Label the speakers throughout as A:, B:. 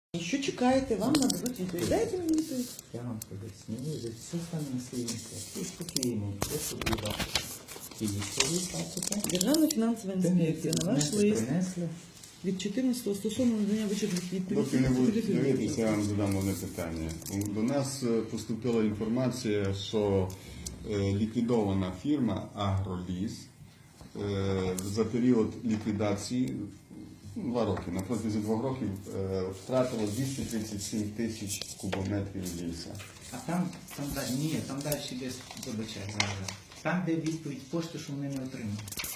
A: Що чекаєте, вам нададуть відповідь. Дайте мені відповідь.
B: Я вам поясню, вже все стане на свої місця. Всі спокійні, все собі. І військові бачите.
A: Державна фінансова інспекція на ваш лист
B: принесли.
A: від 14-го стосовно надання вичерпних
C: Доки не будуть
A: відповідей.
C: дивитися, я вам задам одне питання. До нас поступила інформація, що ліквідована фірма «Агроліс» за період ліквідації 2 роки, на протязі 2 років втратила 237 тисяч кубометрів лісу.
B: А там далі десь вибачай зараз. Там, де відповідь пошти, що вони не отримали.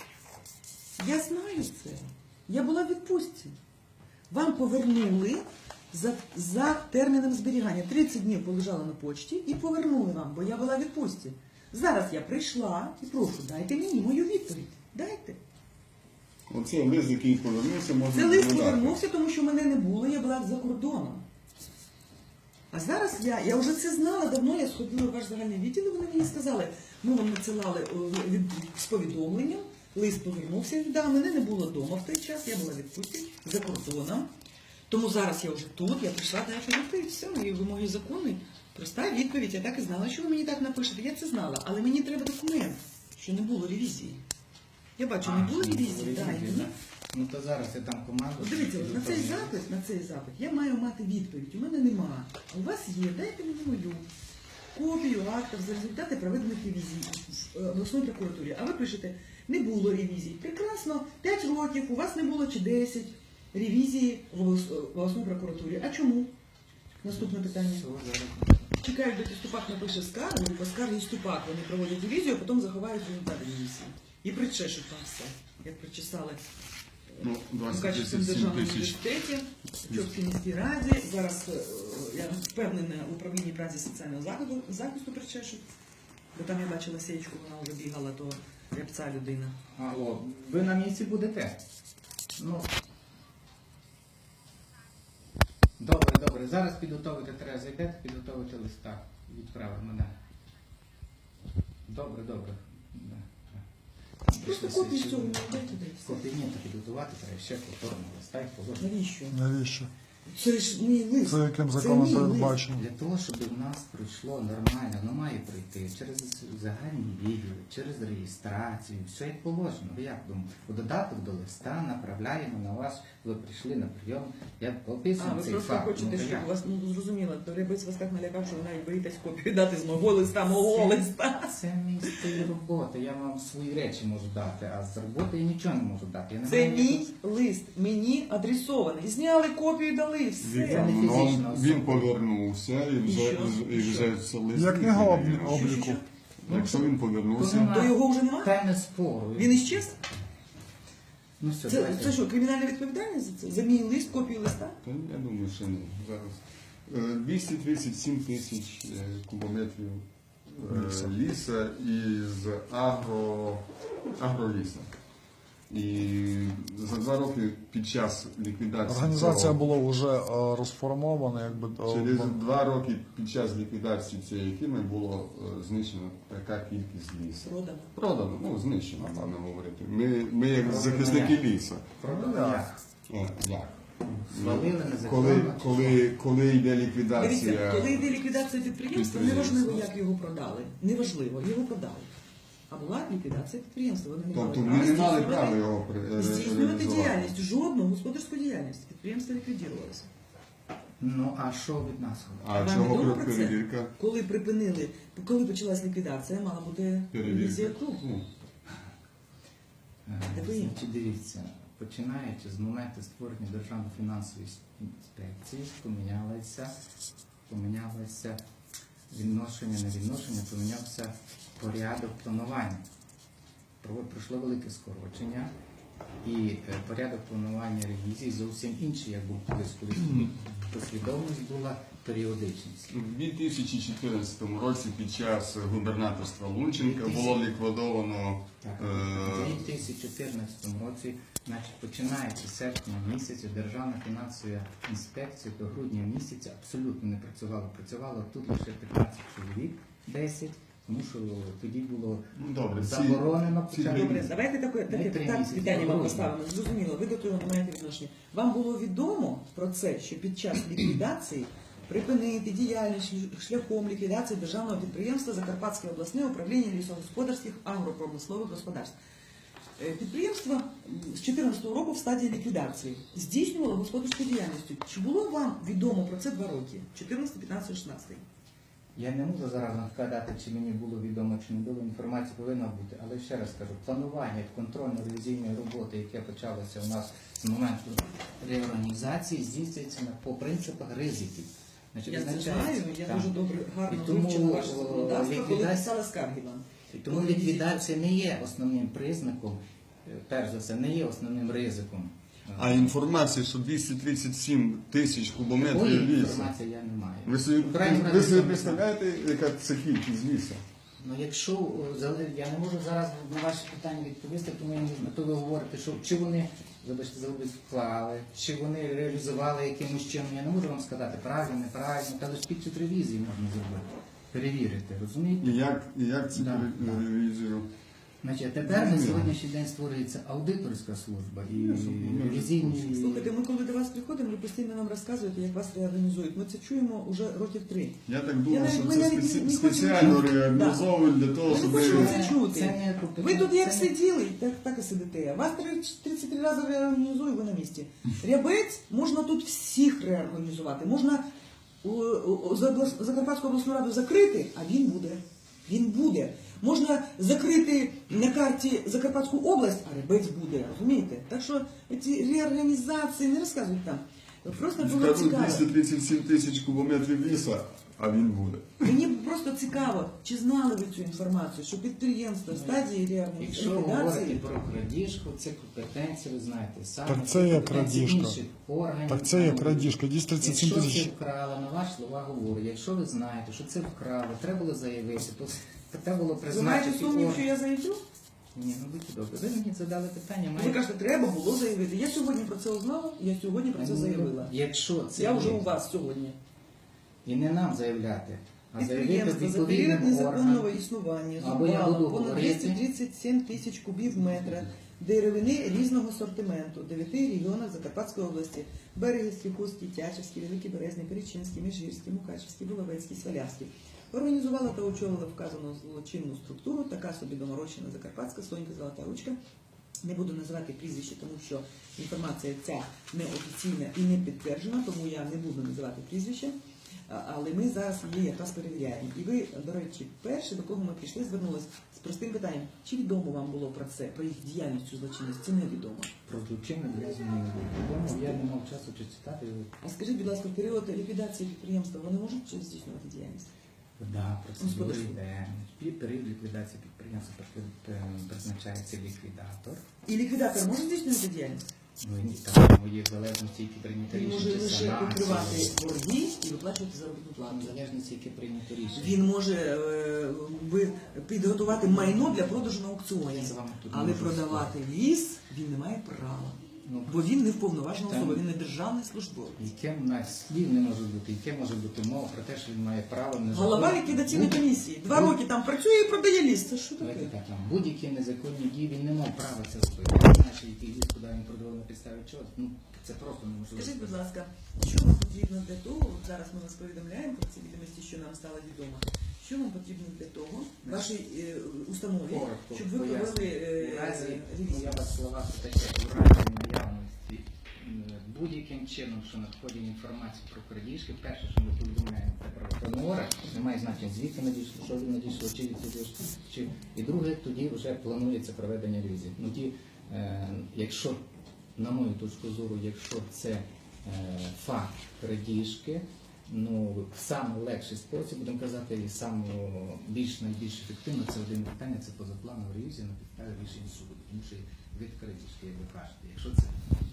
A: Я знаю це. Я була в відпустці. Вам повернули за терміном зберігання. 30 днів полежала на почті і повернули вам, бо я була в відпустці. Зараз я прийшла і прошу, дайте мені мою відповідь. Дайте.
C: Оце лист, який повернувся, можна
A: Це лист
C: додати.
A: повернувся, тому що мене не було, я була за кордоном. А зараз я вже це знала давно, я сходила в ваш загальний відділ, і вони мені сказали, ми вам надсилали з повідомленням, лист повернувся, да, мене не було вдома в той час, я була в відпустці за кордоном. Тому зараз я вже тут, я прийшла дати відповідь, все, мої вимоги законні. Проста відповідь, я так і знала, що ви мені так напишете, я це знала, але мені треба документ, що не було ревізії. Я бачу, не було ревізії, так.
B: Ну то зараз я там команду.
A: От дивіться, на цей запит я маю мати відповідь. У мене нема. А у вас є, дайте мені мою копію актів за результати проведених ревізій в обласній прокуратурі. А ви пишете, не було ревізій. Прекрасно, 5 років, у вас не було чи 10 ревізій в обласній прокуратурі. А чому? Наступне питання. Чекають, доки Ступак напише скаргу, і по скаргі Ступак вони проводять ревізію, а потім заховають результати ревізії. І причешуть там все, як причесали.
C: Ну,
A: В
C: 27
A: Качественно державному
C: тисяч.
A: університеті, в Чопській міській раді. Зараз, я впевнена, в управлінні праці соціального захисту причешуть. Бо там я бачила сеєчку, вона вже бігала, то рябця людина.
B: Алло, ви на місці будете? Ну. Добре. Зараз підготовити треба, зайдете, підготовити листа. Відправимо, да. Добре. Да.
A: Просто копію цього не дайте десь.
B: Копію ні, то підготувати треба ще повторно листа і положити.
A: Навіщо?
D: Навіщо?
A: Це ж мій лист.
D: Це яким
A: Це
D: законом
A: мій лист.
D: передбачено?
B: Для того, щоб в нас пройшло нормально, воно має пройти через загальні відділи, через реєстрацію, все як положено. Ви як думаєте? У додаток до листа направляємо на вас, ви прийшли на прийом, я
A: А,
B: описую
A: ви
B: цей
A: просто
B: факт.
A: хочете,
B: Ну,
A: щоб
B: як?
A: у вас, ну зрозуміло, то Рябець вас так налякав, що ви навіть боїтесь копію дати з мого листа.
B: Це мій стиль роботи, я вам свої речі можу дати, а з роботи я нічого не можу дати. Я не
A: Це
B: маю
A: мій
B: ніякого-
A: лист, мені адресований. Зняли копію і дали, все.
B: Це не фізична особа.
C: Він повернувся і вже це лист.
D: Як книга
C: відповідає.
D: обліку.
C: Якщо він повернувся,
A: То його вже немає?
B: Теми спору.
A: Він іщез?
B: Ну все,
A: Це
B: давайте.
A: що, кримінальна відповідальність за це? За мій лист, копію листа?
C: то я думаю, що ні. Зараз 237 тисяч кубометрів ліса із агроліса. І за 2 роки під час ліквідації
D: Організація
C: цього-
D: була вже розформована, якби
C: через 2 роки під час ліквідації цієї фірми було знищено така кількість лісу.
A: Продано.
C: Продано, ну знищено, певно говорити. Ми як захисники лісу.
B: Продано як?
C: Як?
B: Свалили незаконно.
C: Коли йде
A: Дивіться,
C: ліквідація,
A: коли йде ліквідація підприємства, неважливо, як його продали. Неважливо, його продали. А була ліквідація підприємства. Вони не
C: тобто
A: мали
C: ми не мали
A: здійснювати-
C: права його
A: здійснювати
C: реалізувати.
A: діяльність, жодну господарську діяльність. Підприємство ліквідувалося.
B: Ну, а що від нас?
C: А
A: Вам
C: чого
A: відомо про це?
C: перевірка?
A: Коли почалась ліквідація, мала бути ревізія кругу.
C: Ну,
B: Значить, дивіться, починаючи з моменту створення Державної фінансової інспекції, помінялося відношення, не відношення, помінявся порядок планування. Пройшло велике скорочення і порядок планування ревізії зовсім інший, як був колись, коли послідовність була періодичність.
C: У 2014 році під час губернаторства Лунченка було ліквідовано
B: Так, у 2014 році, значить, починаючи з серпня місяця, Державна фінансова інспекція до грудня місяця абсолютно не працювала. Працювало тут лише 15 чоловік, 10, тому що тоді було
C: добре,
B: заборонено
C: ці
B: почати.
A: Добре, давайте таке
B: Ми 3
A: так
B: місяці
A: питання вам
B: говоримо.
A: поставимо. Зрозуміло, ви до того не маєте відношення. Вам було відомо про це, що під час ліквідації припинити діяльність шляхом ліквідації державного підприємства Закарпатське обласне управління лісогосподарських агропромислових господарств. Підприємство з 2014 року в стадії ліквідації здійснювало господарську діяльність. Чи було вам відомо про це 2 роки? 14, 15, 16?
B: Я не можу зараз вам сказати, чи мені було відомо, чи не було, інформація повинна бути. Але ще раз кажу, планування контрольно-ревізійної роботи, яке почалося у нас з моменту реорганізації, здійснюється по принципах ризиків. Значить,
A: Я це
B: визначається-
A: знаю, я
B: Так.
A: дуже добре, гарно
B: І тому,
A: вивчила ваше законодавство, коли
B: ліквідація-
A: писала скарги вам.
B: І тому ліквідація не є основним признаком, перш за все, не є основним ризиком.
C: А інформація, що 237 тисяч кубометрів
B: Такої
C: лісу.
B: інформації я не маю.
C: Ви собі,
B: Крайній
C: ви
B: раз
C: собі
B: я не
C: представляєте, яка це кількість лісу?
B: Ну, якщо я не можу зараз на ваші питання відповісти, тому я не можу. То ви говорите, що чи вони, вибачте, вклали, чи вони реалізували якимось чином. Я не можу вам сказати, правильно, неправильно, та лише під час ревізії можна зробити. Перевірити, розумієте?
C: І як це
B: Да,
C: ревізію?
B: Значить, тепер на сьогоднішній день створюється аудиторська служба і ревізійні.
A: Слухайте, ми коли до вас приходимо, ви постійно нам розказуєте, як вас реорганізують. Ми це чуємо вже років 3.
C: Я так думав,
A: Я
C: що
A: навіть- ми
C: це
A: навіть не
C: спеціально
A: хочемо-
C: реорганізовують для того,
A: Ми
C: щоб
A: не хочемо
C: ви...
A: це чути.
B: Це не
A: Ви тут як
B: це-
A: сиділи, так і сидите. Вас 33 рази реорганізують, ви на місці. Рябець можна тут всіх реорганізувати. Можна Закарпатську обласну раду закрити, а він буде. Він буде. Можна закрити на карті Закарпатську область, а Рябець буде. Розумієте? Так що ці реорганізації не розказують там. Просто було
C: Скажуть
A: цікаво.
C: 237 тисяч кубометрів лісу, а він буде.
A: Мені просто цікаво, чи знали ви цю інформацію, що підприємство в стадії
B: Якщо говорити
A: ліквідації...
B: про крадіжку, це компетенції, ви знаєте, саме
D: Так це є
B: компетенції
D: крадіжка.
B: інших органів.
D: Так це є крадіжка. 237
B: Якщо
D: тисяч.
B: це вкрали, на ваші слова говорю, якщо ви знаєте, що це вкрали, треба було заявити, то треба було
A: Ви маєте
B: призначити
A: сумнів, що
B: орган.
A: я заявлю?
B: Ні, ну будьте добре. Ви мені задали питання,
A: Ви
B: маєте...
A: кажете, треба було заявити. Я сьогодні про це узнала, я сьогодні про це заявила.
B: Якщо це
A: Я вже
B: є,
A: у вас сьогодні.
B: і не нам заявляти, а заявити
A: Підприємство за період
B: відповідним
A: незаконного
B: органам.
A: існування
B: Або я
A: зрубало
B: буду
A: понад
B: говорити.
A: 237 тисяч кубів метра деревини різного сортименту в 9 регіонах Закарпатської області: Берегівський, Хустський, Тячівський, Великий Березний, Перечинський, Міжгірський, Мукачівський, Булавецький, Свалявський. Організувала та очолила вказану злочинну структуру така собі доморощена закарпатська Сонька Золота Ручка. Не буду називати прізвище, тому що інформація ця неофіційна і не підтверджена, тому я не буду називати прізвище. Але ми зараз її якраз перевіряємо. І ви, до речі, перші, до кого ми прийшли, звернулися з простим питанням. Чи відомо вам було про це, про їх діяльність цю злочинність? Це невідомо.
B: Про злочинну діяльність. Я не мав часу чи читати.
A: А скажіть, будь ласка, в період ліквідації підприємства вони можуть здійснювати діяльність?
B: Да, процедури
A: Господарство.
B: йде. Під період ліквідації підприємства призначається ліквідатор.
A: І ліквідатор може здійснювати діяльність?
B: Ну і там є в залежності, які прийняті
A: Він може
B: рішення, чи
A: лише
B: санації.
A: покривати борги і виплачувати заробітну плату.
B: В залежності, які прийняті рішення.
A: Він може підготувати майно для продажу на аукціоні,
B: Я з вами тут
A: але
B: можу
A: продавати ліс він не має права.
B: Ну,
A: Бо він не вповноважена
B: Там-
A: особа, він не державний службовець.
B: Яке в нас слів не може бути, яке може бути мова про те, що він має право незаконно...
A: Голова ліквідаційної комісії 2 роки там працює і продає ліс. Це що
B: Давайте
A: таке?
B: так, там будь-які незаконні дії, він не мав права це робити. Не знаю, що який ліс, куди він продавав на підставі чого. Ну, це просто неможливо.
A: Скажіть, будь ласка, що вам потрібно для того, от зараз ми вас повідомляємо про ці відомості, що нам стало відомо, що вам потрібно для того, вашій установі,
B: Коротко
A: щоб ви
B: поясню.
A: провели
B: У разі,
A: ревізію?
B: я вас слова таке, у разі наявності будь-яким чином, що надходить інформація про крадіжки, перше, що ми повідомляємо, це про тонора, немає значення, звідки надійшло, що він надійшло, чи від цього, чи... І друге, тоді вже планується проведення ревізії. Ну, якщо, на мою точку зору, якщо це факт крадіжки, ну, саме легший спосіб, будемо казати, і саме найбільш ефективно, це один питання, це позапланова ревізія на підставі рішень суду, тому що від крадіжки, як ви кажете. Якщо це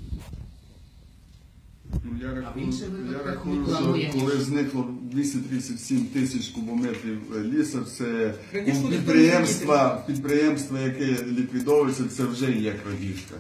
C: Ну, я
B: в інших випадках
C: рахую,
B: ми
C: що
B: плануємо.
C: коли зникло 237 тисяч кубометрів лісу, це
A: Крадіжку
C: у
A: ніхто не
C: підприємства, яке ліквідовується, це вже є крадіжка.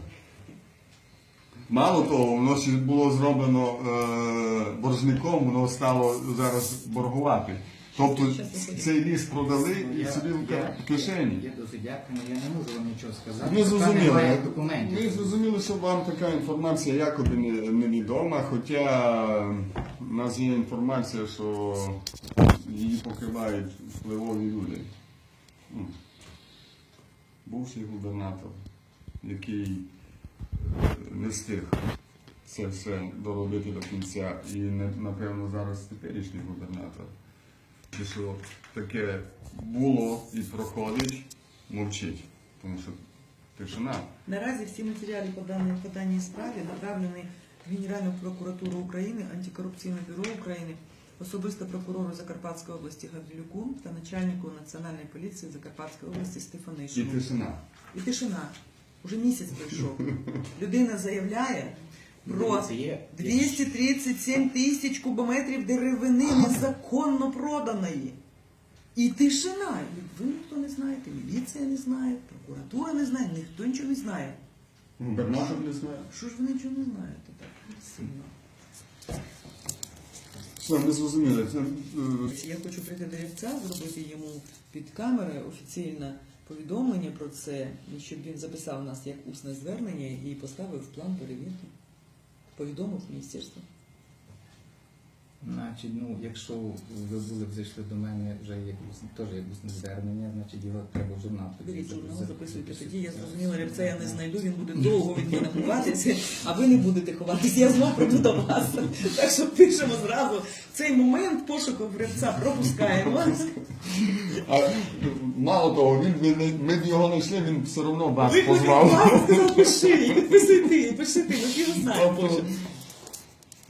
C: Мало того, воно ще було зроблено боржником, воно стало зараз боргувати. Тобто
A: Щас виходить.
C: цей ліс продали і
B: Я-
C: собі в
B: я-
C: кишені.
B: Я до суддяка, але я не можу вам нічого сказати.
C: Ми
B: поки
C: зрозуміли.
B: немає документів.
C: Ми зрозуміли, що вам така інформація якоби невідома, хоча в нас є інформація, що її покривають впливові люди. Ну, бувший губернатор, який не встиг це все доробити до кінця, і напевно зараз теперішній губернатор. І що таке було і проходить, мовчить, тому що тишина.
A: Наразі всі матеріали по даній справі направлені в Генеральну прокуратуру України, Антикорупційне бюро України, особисто прокурору Закарпатської області Гаврилюку та начальнику Національної поліції Закарпатської області
C: І
A: Стефанишину.
C: тишина.
A: І тишина. Уже місяць пройшов. Людина заявляє про
B: Дивіться, є-
A: 237 тисяч кубометрів деревини незаконно проданої. І тишина. І ви ніхто не знаєте, міліція не знає, прокуратура не знає, ніхто нічого не знає.
C: Губернатор не знає.
A: Що ж ви нічого не знаєте так сильно?
C: Все, ми зрозуміли.
A: Я хочу прийти до Рівця, зробити йому під камери офіційне повідомлення про це, і щоб він записав нас як усне звернення і поставив в план перевірки. Повідомив міністерство.
B: Значить, ну, якщо ви були б зайшли до мене вже теж якось звернення, значить його треба в журнал. тоді
A: Беріть журнал,
B: записати.
A: записуйте тоді. Я зрозуміла, Рябця я не знайду, він буде довго від мене ховатися, а ви не будете ховатися. Я знов прийду до вас. Так що пишемо зразу. Цей момент пошуку Рябця пропускаємо.
C: А мало того, ми б його знайшли, він все одно вас
A: Ви
C: позвав.
A: сказав, пиши, підписуй ти, пиши ти, ми ж його знаємо.
C: Тобто,
A: пише.